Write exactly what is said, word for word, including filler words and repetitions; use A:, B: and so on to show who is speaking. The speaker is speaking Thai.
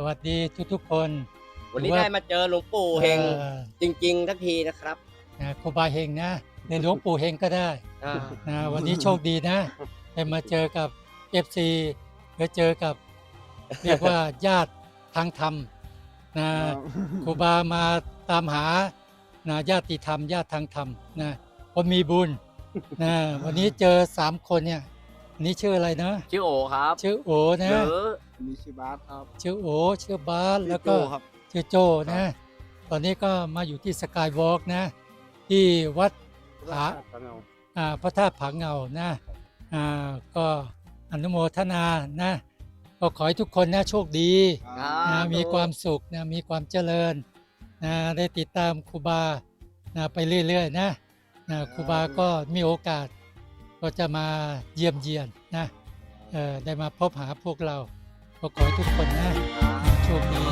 A: วัสดีทุกๆคน
B: วันนี้ได้มาเจอหลวงปู่เฮง
A: เอ่อ
B: จริงๆทักทีนะครับ
A: นะครูบาเฮงนะในหลวงปู่เฮงก็ได้
B: อ่า
A: นะวันนี้โชคดีนะได้มาเจอกับ เอฟ ซี หรือเจอกับ เรียกว่าญาติทางธรรมนะครูบามาตามหานะญาติธรรมญาติทางธรรมนะคนมีบุญนะวันนี้เจอสามคนเนี่ยอันนี้ชื่ออะไรนะ
B: ชื่อโอครับ
A: ชื่อโอ
B: ห
A: นะ
B: รือ
C: มีชื่อบาสครับ
A: ชื่อโอชื่อบาสแล้วก็
C: ชื่อโจ้ครับ
A: ชื่อโจนะ ตอนนี้ก็มาอยู่ที่สกายวอล์กนะ ที่วัดผาอ่าพระธาตุผาเงานะอ่าก็อนุโมทนานะ ก็ขอให้ทุกคนนะโชคดี
B: ครับ
A: นะมีความสุขนะมีความเจริญนะได้ติดตามครูบานะไปเรื่อยๆนะนะครูบาก็มีโอกาส ก็จะมาเยี่ยมเยียนนะเออได้มาพบหาพวกเรา ก็ขอให้ทุกคนนะโชคดี